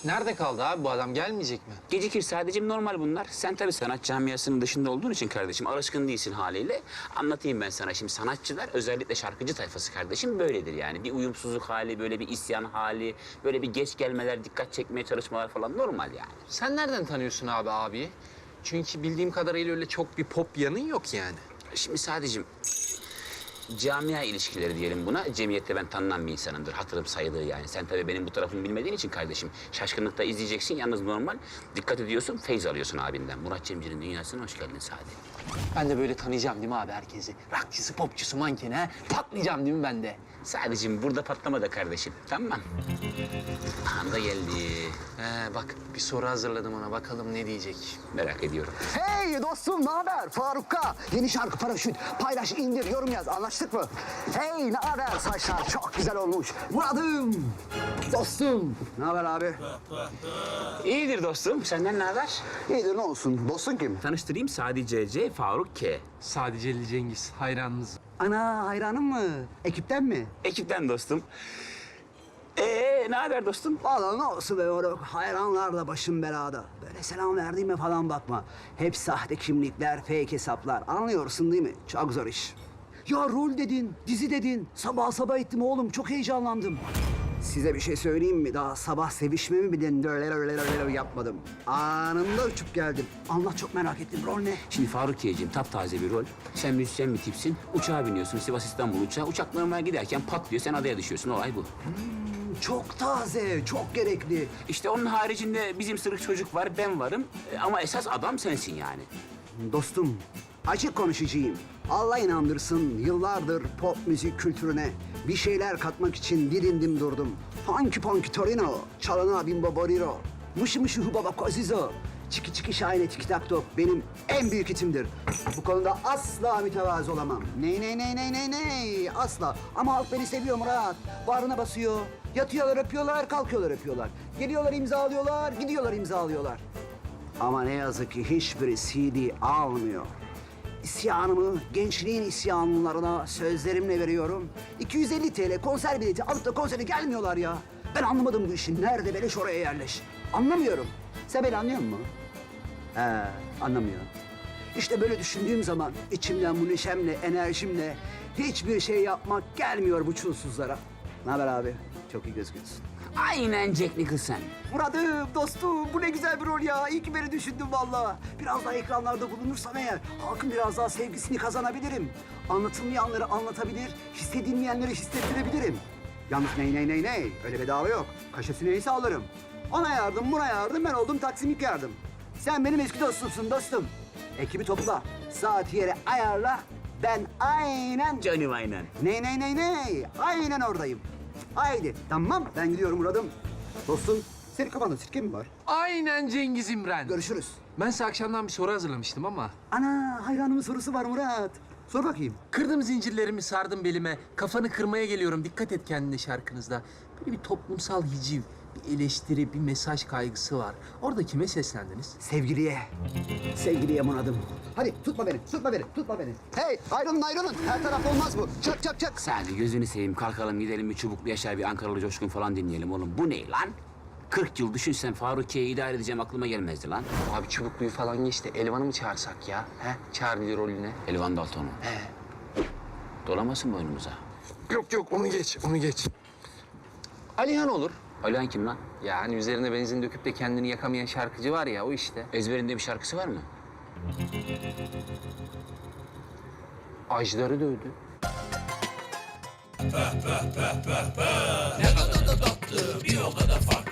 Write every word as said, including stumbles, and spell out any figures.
Nerede kaldı abi bu adam? Gelmeyecek mi? Gecikir sadece normal bunlar. Sen tabii sanat camiasının dışında olduğun için kardeşim alışkın değilsin haliyle. Anlatayım ben sana şimdi sanatçılar özellikle şarkıcı tayfası kardeşim böyledir yani. Bir uyumsuzluk hali, böyle bir isyan hali, böyle bir geç gelmeler, dikkat çekmeye çalışmalar falan normal yani. Sen nereden tanıyorsun abi abiyi? Çünkü bildiğim kadarıyla öyle çok bir pop yanın yok yani. Şimdi sadece camia ilişkileri diyelim buna. Cemiyette ben tanınan bir insanımdır. Hatırım sayılır yani. Sen tabii benim bu tarafımı bilmediğin için kardeşim şaşkınlıkta izleyeceksin. Yalnız normal dikkat ediyorsun, feyz alıyorsun abinden. Murat Cemcir'in dünyasına hoş geldin Sadi. Ben de böyle tanıyacağım değil mi abi herkesi? Rockçısı, popçusu, mankeni ha? Patlayacağım değil mi ben de? Sadece burada patlama da kardeşim. Tamam. Anda geldi. He bak bir soru hazırladım ona. Bakalım ne diyecek? Merak ediyorum. Hey dostum, ne haber? Faruk'a yeni şarkı Paraşüt. Paylaş, indir, yorum yaz. Anlaştık mı? Hey, ne haber? Saçlar çok güzel olmuş. Murat'ım, dostum. Ne haber abi? İyidir dostum. Senden ne haber? İyidir, ne olsun? Dostun kim? Tanıştırayım Sadi C C, Faruk K. Sadece Ali Cengiz. Hayranınız. Ana, hayranın mı? Ekipten mi? Ekipten dostum. Ee, ne haber dostum? Vallahi ne olsun be oğlum. Hayranlar da başım belada. Böyle selam verdiğime falan bakma. Hep sahte kimlikler, fake hesaplar. Anlıyorsun değil mi? Çok zor iş. Ya rol dedin, dizi dedin. Sabah sabah ettim oğlum. Çok heyecanlandım. Size bir şey söyleyeyim mi? Daha sabah sevişme mi bilin? Öyle öyle öyle yapmadım. Anında uçup geldim. Anlat, çok merak ettim. Rol ne? Şimdi Faruk K'ciğim taptaze bir rol. Sen müzisyen bir tipsin. Uçağa biniyorsun Sivas İstanbul uçağı. Uçak normal giderken patlıyor. Sen adaya düşüyorsun. Olay bu. Çok taze, çok gerekli. İşte onun haricinde bizim sırık çocuk var, ben varım. E, Ama esas adam sensin yani. Dostum, açık konuşacağım. Allah inandırsın, yıllardır pop müzik kültürüne bir şeyler katmak için didindim durdum. Hanky panky torino, çalana bimbo boriro, mışı mışı hubaba kozizo, çiki çiki şahane tiki tak tok benim en büyük hitimdir. Bu konuda asla mütevazı olamam. Ney ney ney ney ney ney, asla. Ama halk beni seviyor Murat. Bağrına basıyor. Yatıyorlar öpüyorlar, kalkıyorlar öpüyorlar. Geliyorlar imzalıyorlar, gidiyorlar imzalıyorlar. Ama ne yazık ki hiçbiri C D almıyor. İsyanımı gençliğin isyanlılarına sözlerimle veriyorum. iki yüz elli TL konser bileti alıp da konsere gelmiyorlar ya. Ben anlamadım bu işi. Nerede beleş oraya yerleş. Anlamıyorum. Sen beni anlıyor musun? He, anlamıyor. İşte böyle düşündüğüm zaman içimden bu neşemle, enerjimle hiçbir şey yapmak gelmiyor bu çulsuzlara. Ne haber abi? Çok iyi gözüküyorsun. Aynen Jack Nicholson. Murat'ım, dostum, bu ne güzel bir rol ya. İyi ki beni düşündün vallahi. Biraz daha ekranlarda bulunursam eğer, halkın biraz daha sevgisini kazanabilirim. Anlatılmayanları anlatabilir, hissedilmeyenleri hissettirebilirim. Yalnız ney ney ney ney, öyle bedava yok. Kaşesi neyse alırım. Ona yardım, buna yardım, ben oldum taksimik yardım. Sen benim eski dostumsun dostum. Ekibi topla, saati yere ayarla. Ben aynen... Canım aynen. Ney ney ney ney, aynen oradayım. Haydi, tamam, ben gidiyorum Murat'ım. Dostum, senin kafanda sirke mi var? Aynen Cengiz İmren. Görüşürüz. Ben size akşamdan bir soru hazırlamıştım ama... Ana, hayranımın sorusu var Murat. Sor bakayım. Kırdım zincirlerimi, sardım belime. Kafanı kırmaya geliyorum. Dikkat et kendine şarkınızda. Böyle bir toplumsal hiciv, bir eleştiri, bir mesaj kaygısı var. Orada kime seslendiniz? Sevgiliye. Sevgiliye Murat'ım. Hadi tutma beni, tutma beni, tutma beni. Hey, ayrılın ayrılın. Her taraf olmaz bu. Çak çak çak. Sadi gözünü seveyim kalkalım gidelim bir Çubuklu Yaşar bir Ankaralı Coşkun falan dinleyelim oğlum. Bu ne lan? kırk yıl düşünsen Faruk K'yi idare edeceğim aklıma gelmezdi lan. Abi Çubuklu'yu falan geçti. Elvan'ı mı çağırsak ya? He? Charlie rolüne. Elvan Dalton'u. He. Dolamasın boynumuza. Yok yok onu geç, onu geç. Alihan olur. Alihan kim lan? Yani üzerine benzin döküp de kendini yakamayan şarkıcı var ya o işte. Ezberinde bir şarkısı var mı? Ajdar'ı dövdü. Ne kadar da tatlı, bir o kadar farklı.